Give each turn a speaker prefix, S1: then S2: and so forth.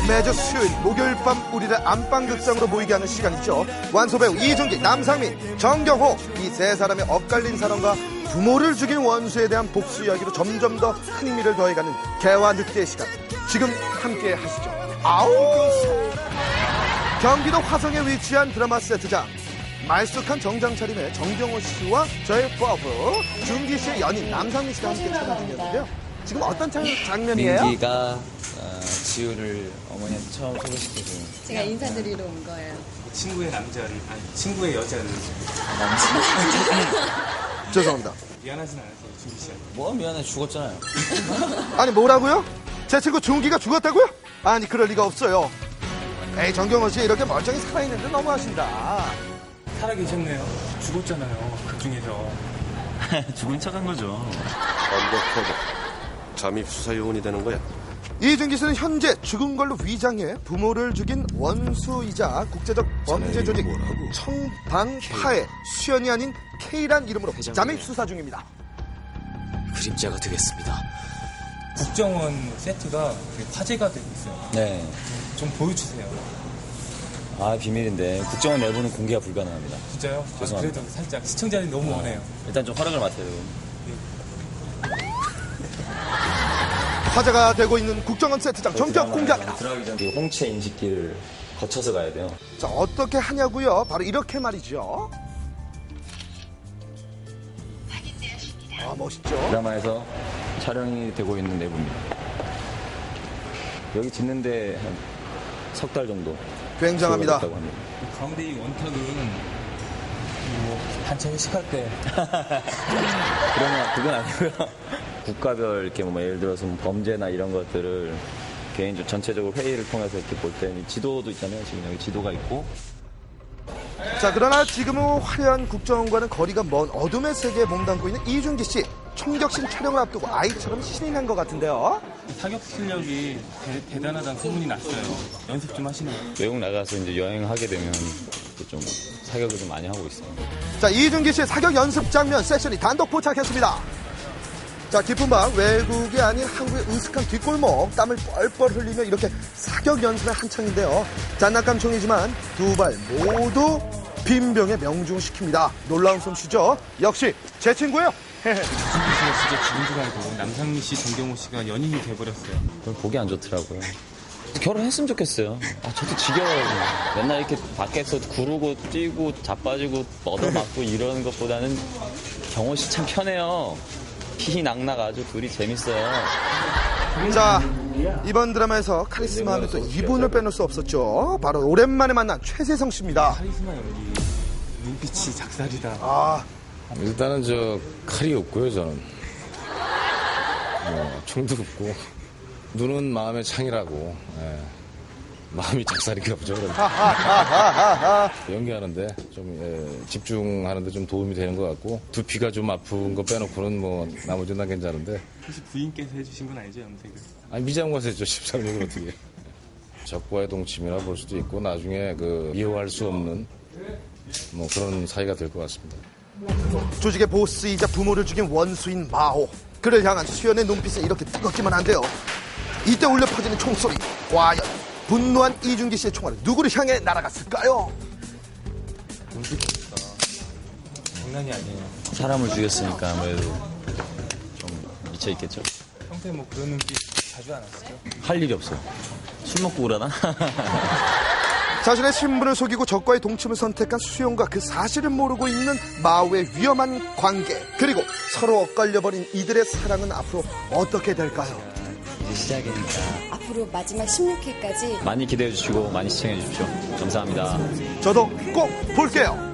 S1: 매주 수요일 목요일 밤 우리를 안방극장으로 모이게 하는 시간이죠. 완소배우 이준기, 남상민, 정경호 이 세 사람의 엇갈린 사랑과 부모를 죽인 원수에 대한 복수 이야기로 점점 더 흥미를 더해가는 개화 늑대의 시간, 지금 함께 하시죠. 아우! 경기도 화성에 위치한 드라마 세트장, 말쑥한 정장 차림의 정경호 씨와 저의 퍼브 준기 씨의 연인 남상민 씨가 함께 찾아주셨는데요. 지금 어떤 장면이에요?
S2: 민기가 지우를 어머니한테 처음 소개시켜줘요.
S3: 제가 인사드리러 온 거예요.
S4: 친구의 남자를, 아니 친구의 여자를.
S1: 죄송합니다.
S4: 미안하진 않았어요, 준기 씨한테.
S2: 뭐 미안해, 죽었잖아요.
S1: 아니 뭐라고요? 제 친구 준기가 죽었다고요? 아니 그럴 리가 없어요. 에이, 정경호 씨 이렇게 멀쩡히 살아있는데 너무하신다.
S4: 살아계셨네요. 죽었잖아요, 그 중에서.
S5: 죽은 척한 거죠.
S6: 언더커버 잠입 수사 요원이 되는 거야.
S1: 이준기 씨는 현재 죽은 걸로 위장해 부모를 죽인 원수이자 국제적 범죄 조직 청방파의 수연이 아닌 K란 이름으로 잠입 수사 중입니다.
S2: 그림자가 되겠습니다.
S4: 국정원 세트가 화제가 되고 있어요.
S2: 네.
S4: 좀 보여주세요.
S2: 아, 비밀인데 국정원 내부는 공개가 불가능합니다.
S4: 진짜요?
S2: 죄송합니다.
S4: 그래도 살짝 시청자들이 너무 원해요.
S2: 일단 좀 허락을 맡아요.
S1: 화제가 되고 있는 국정원 세트장 전격 공개합니다.
S2: 들어가기 전에 홍채 인식기를 거쳐서 가야 돼요.
S1: 자, 어떻게 하냐고요? 바로 이렇게 말이죠. 아, 멋있죠?
S2: 드라마에서 촬영이 되고 있는 내부입니다. 여기 짓는데 한 석 달 정도.
S1: 굉장합니다.
S4: 가운데 이 원탁은 뭐 단체 회식할 때.
S2: 그건 아니고요. 국가별 이렇게 뭐 예를 들어서 범죄나 이런 것들을 개인적으로 전체적으로 회의를 통해서 이렇게 볼 때는 지도도 있잖아요. 지금 여기 지도가 있고.
S1: 자, 그러나 지금은 화려한 국정원과는 거리가 먼 어둠의 세계에 몸담고 있는 이준기 씨. 총격신 촬영을 앞두고 아이처럼 신이 난 것 같은데요.
S4: 사격 실력이 대단하다는 소문이 났어요. 연습 좀 하시나요?
S2: 외국 나가서 이제 여행하게 되면 좀 사격을 좀 많이 하고 있어요.
S1: 자, 이준기 씨의 사격 연습 장면 세션이 단독 포착했습니다. 자, 깊은 밤 외국이 아닌 한국의 으슥한 뒷골목, 땀을 뻘뻘 흘리며 이렇게 사격 연습에 한창인데요. 장난감 총이지만 두 발 모두 빈병에 명중시킵니다. 놀라운 솜씨죠. 역시 제 친구예요.
S4: 준기 씨가 진짜 죽은 줄 알고 남상민 씨, 정경호 씨가 연인이 돼버렸어요.
S2: 그걸 보기 안 좋더라고요. 결혼했으면 좋겠어요. 저도 지겨워요. 맨날 이렇게 밖에서 구르고 뛰고 자빠지고 얻어맞고 이러는 것보다는 경호 씨 참 편해요. 희희낙낙 아주 둘이 재밌어요.
S1: 자, 이번 드라마에서 카리스마 하면 또 이분을 빼놓을 수 없었죠. 바로 오랜만에 만난 최세성 씨입니다.
S4: 카리스마 연기, 눈빛이 작살이다.
S1: 아,
S7: 일단은 칼이 없고요, 저는. 총도 없고. 눈은 마음의 창이라고. 예. 마음이 작살인가 보죠. 연기하는데 좀 집중하는데 좀 도움이 되는 것 같고, 두피가 좀 아픈 거 빼놓고는 뭐 나머지는 다 괜찮은데.
S4: 혹시 부인께서 해주신 건 아니죠, 염색을?
S7: 아니, 미장 가서 했죠. 13년을 어떻게. 적과의 동침이라 볼 수도 있고, 나중에 이해할 수 없는 뭐 그런 사이가 될 것 같습니다.
S1: 조직의 보스이자 부모를 죽인 원수인 마호. 그를 향한 수연의 눈빛은 이렇게 뜨겁기만 한데요. 이때 울려 퍼지는 총소리. 과연 분노한 이준기 씨의 총알은 누구를 향해 날아갔을까요?
S4: 장난이 아니에요.
S2: 사람을 죽였으니까 아무래도 좀 미쳐있겠죠?
S4: 평소에 뭐 그런 눈빛 자주 안 하시죠?
S2: 할 일이 없어요. 술 먹고 그러나?
S1: 자신의 신분을 속이고 적과의 동침을 선택한 수용과 그 사실을 모르고 있는 마오의 위험한 관계, 그리고 서로 엇갈려버린 이들의 사랑은 앞으로 어떻게 될까요?
S2: 이제 시작이니까
S3: 앞으로 마지막 16회까지
S2: 많이 기대해 주시고 많이 시청해 주십시오. 감사합니다.
S1: 저도 꼭 볼게요.